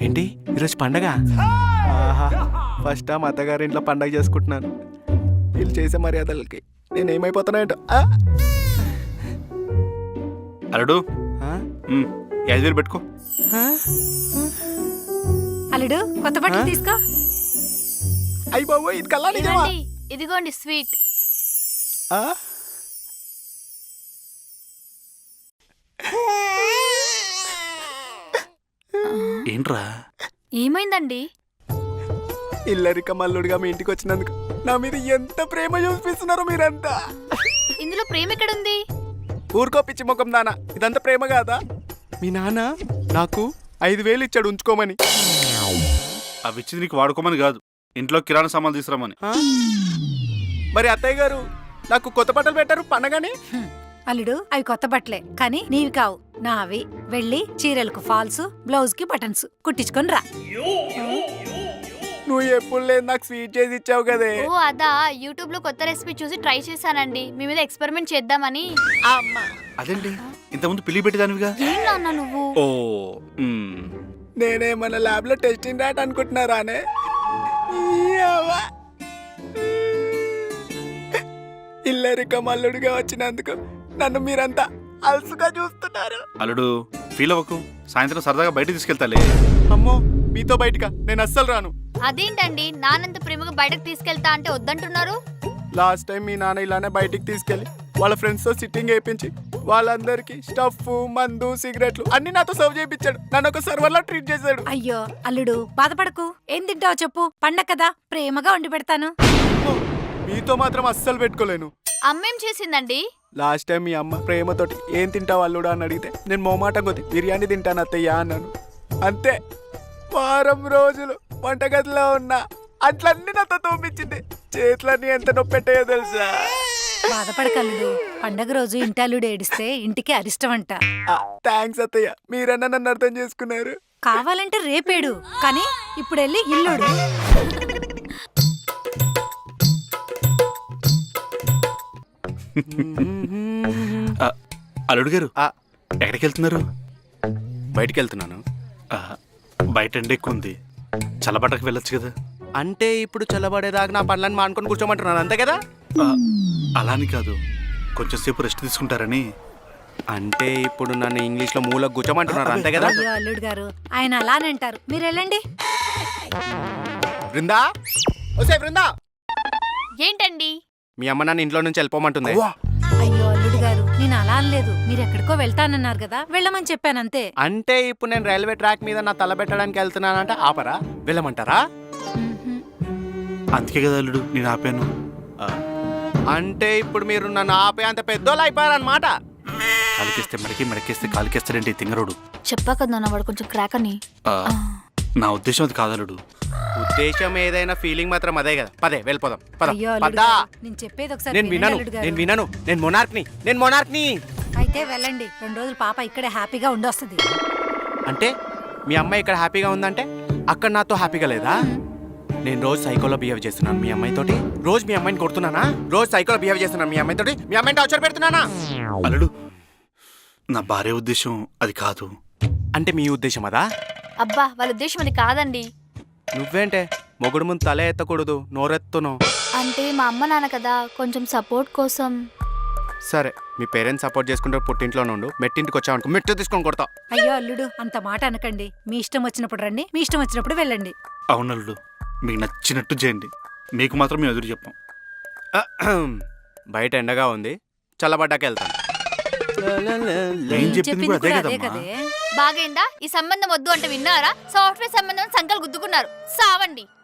ఏంటి ఈరోజు పండగ? ఆహా, ఫస్ట్ టైం అత్తగారి ఇంట్లో పండగ చేసుకుంటున్నాను. వీళ్ళు చేసే మర్యాదలకి నేనేమైపోతున్నాయంట. అల్లుడు 5,000 పెట్టుకో. అల్లుడు కొత్త బట్టలు తీసుకో. అయ్యి బాబు, ఇది కల్లా నిజమా? ఇదిగోండి స్వీట్. ఏంట్రా? ఏమైందండి? ఇల్లరిక మల్లుడిగా మీ ఇంటికి వచ్చినందుకు నా మీద ఎంత ప్రేమ చూపిస్తున్నారో మీరంతా. ఇందులో ప్రేమ ఎక్కడుంది? ఊరుకో పిచ్చి ముఖం నాన్న, ఇదంతా ప్రేమ కాదా? మీ నాన్న నాకు 5,000 ఇచ్చాడు ఉంచుకోమని. అవి ఇచ్చింది నీకు వాడుకోమని కాదు, ఇంట్లో కిరాణా సామాన్లు తీసుకురామని. మరి అత్తయ్య గారు నాకు కొత్త బట్టలు పెట్టారు పండగని. అల్లుడు అవి కొత్త బట్టలే, కానీ నీవి కావు, నావి. వెళ్ళి చీరలకు ఫాల్స్, బ్లౌజ్ కి బటన్స్ కుట్టించుకొని రా. నువ్వు ఎప్పుడు లేదు నాకు స్వీట్ చేసి ఇచ్చావు కదే. ఓ అదా, యూట్యూబ్ లో కొత్త రెసిపీ చూసి ట్రై చేశానండి, మీ మీద ఎక్స్పెరిమెంట్ చేద్దామని. అదేంటి ఇంతకుముందు పిల్లి పెట్టేదానివిగా? ఏం నాన్న నువ్వు? ఓ నేనే మన ల్యాబ్ లో టెస్టింగ్ డాట్ అనుకుంటున్నారానే. ఇల్లరిక మల్లుడిగా వచ్చినందుకు నన్ను మీరంతా అలసుగా చూస్తున్నారు. అల్లుడు ఫీల్ అవ్వకు, సాయంత్రం సరదాగా బయట తీసుకెళ్తాలే. అమ్మో, మీతో బయటగా నేను అస్సలు రాను. అదేంటండి నానంత ప్రేమగా బయటకు తీసుకెళ్తా అంటే వద్దంటున్నారు? లాస్ట్ టైం మీ నాన్న ఇలానే బయటికి తీసుకెళ్లి వాళ్ళ ఫ్రెండ్స్ తో సిట్టింగ్ వేయించి వాళ్ళందరికి స్టఫ్, మందు, సిగరెట్లు అన్ని నాతో సర్వ్ చేయించాడు. నన్ను ఒక సర్వర్ లా ట్రీట్ చేశాడు. అయ్యో అల్లుడు బాధపడకు, ఏం తింటావో చెప్పు, పండగ కదా ప్రేమగా వండి పెడతాను. మీతో మాత్రం అస్సలు పెట్టుకోలేను. అమ్మేం చేసిందండి? లాస్ట్ టైం మీ అమ్మ ప్రేమతోటి ఏం తింటావు అల్లుడా అని అడిగితే నేను మొమాటం కొద్ది బిర్యానీ తింటాను అత్తయ్య అన్నాను. అంతే, వారం రోజులు వంటగదిలో ఉన్నా అట్లన్నీ నాతో తోపించింది. చేతులన్నీ ఎంత నొప్పెట్టాయో తెలుసా? బాధపడకల్లుడు, పండగ రోజు ఇంటాలుడు ఏడిస్తే ఇంటికి అరిష్టం అంట. థ్యాంక్స్ అత్తయ్య, మీరన్నా నన్ను అర్థం చేసుకున్నారు. కావాలంటే రేపేడు, కానీ ఇప్పుడు వెళ్ళి ఇల్లుడు. అల్లుడు గారు ఎక్కడికి వెళ్తున్నారు? బయటికి వెళ్తున్నాను. బయట ఎండ ఎక్కువ ఉంది, చల్లబట్టకు వెళ్ళొచ్చు కదా. అంటే ఇప్పుడు చల్లబడేదాకా నా పనులను మానుకొని కూర్చోమంటున్నాను, అంతే కదా? అలాని కాదు, కొంచెం సేపు రెస్ట్ తీసుకుంటారని. అంటే ఇప్పుడు నన్ను ఇంగ్లీష్ లో మూలకు కూర్చోమంటున్నారు, అంతే కదా? అయ్యో అల్లుడు గారు, ఆయన అలానే అంటారు, మీరు వెళ్ళండి. బృందా, ఓసే బృందా, ఏంటండి? మీ అమ్మ నన్ను ఇంట్లో నుంచి వెళ్ళిపోమంటుంది. అయ్యో అల్లుడు గారు, నేను అలా అనలేదు, మీరు ఎక్కడికో వెళ్తానన్నారు కదా, వెళ్ళమని చెప్పానంతే. అంటే ఇప్పుడు నేను రైల్వే ట్రాక్ మీద నా తల పెట్టడానికి వెళ్తున్నానంటే ఆపరా? వెళ్ళమంటారా? అందుకే కదా అల్లుడు నేను ఆపాను. అంటే ఇప్పుడు మీరు నన్ను ఆపే అంత పెద్దోళ్ళు అయిపోయారన్నమాట. కాలికేస్తే మడికి, మడికేస్తే కాలికేస్తాడంటే తింగరోడు. చెప్పా కదా నాన్న, వాడు కొంచెం క్రాక్ అని. నా ఉద్దేశం అది కాదలుడు. ఉద్దేశం ఏదైనా ఫీలింగ్ మాత్రం అదే కదా. పదే వెళ్ళిపోదాం. అయ్యో అల్లుడు గారు, నేను చెప్పేది ఒకసారి నేను వినను, నేను వినను. నేను మొనార్క్ని. అయితే వెళ్ళండి, 2 రోజులు పాప ఇక్కడే హ్యాపీగా ఉండొస్తుంది. అంటే మీ అమ్మాయి ఇక్కడ హ్యాపీగా ఉందంటే అక్కడ నాతో హ్యాపీగా లేదా? నేను రోజు సైకోలో బిహేవ్ చేస్తున్నాను మీ అమ్మాయితోటి. రోజు మీ అమ్మాయిని కొడుతున్నానా? రోజు సైకోలో బిహేవ్ చేస్తున్నాను మీ అమ్మాయితోటి. మీ అమ్మాయిని టార్చర్ పెడుతున్నానా? అల్లుడు, నా భార్య ఉద్దేశం అది కాదు. అంటే మీ ఉద్దేశం అదా? అబ్బా, వాళ్ళ ఉద్దేశం అది కాదండి. నువ్వేంటే మొగుడు ముందు తల ఎత్తకూడదు, నోరెత్తును. అంటే మా అమ్మ నాన్న కదా, కొంచెం సపోర్ట్ కోసం. సరే, మీ పేరెంట్స్ సపోర్ట్ చేసుకుంటే పుట్టింట్లో నుండు, మెట్టింటికి వచ్చావనుకో మెట్టు తీసుకొని కొడతా. అయ్యో అల్లుడు, అంత మాట అనకండి. మీ ఇష్టం వచ్చినప్పుడు రండి, మీ ఇష్టం వచ్చినప్పుడు వెళ్ళండి. అవునల్లుడు, మీకు నచ్చినట్టు చేయండి, మీకు మాత్రం మేము ఎదురు చెప్పాం. బయట ఎండగా ఉంది, చల్లబడ్డాక వెళ్తాను. ఏం చెప్పింది కూడా అదే అదే కదమ్మా. కదే. బాగైందా? ఈ సంబంధం వద్దు అంటే విన్నారా? సాఫ్ట్వేర్ సంబంధం సంకల్ గుద్దుకున్నారు, సావండి.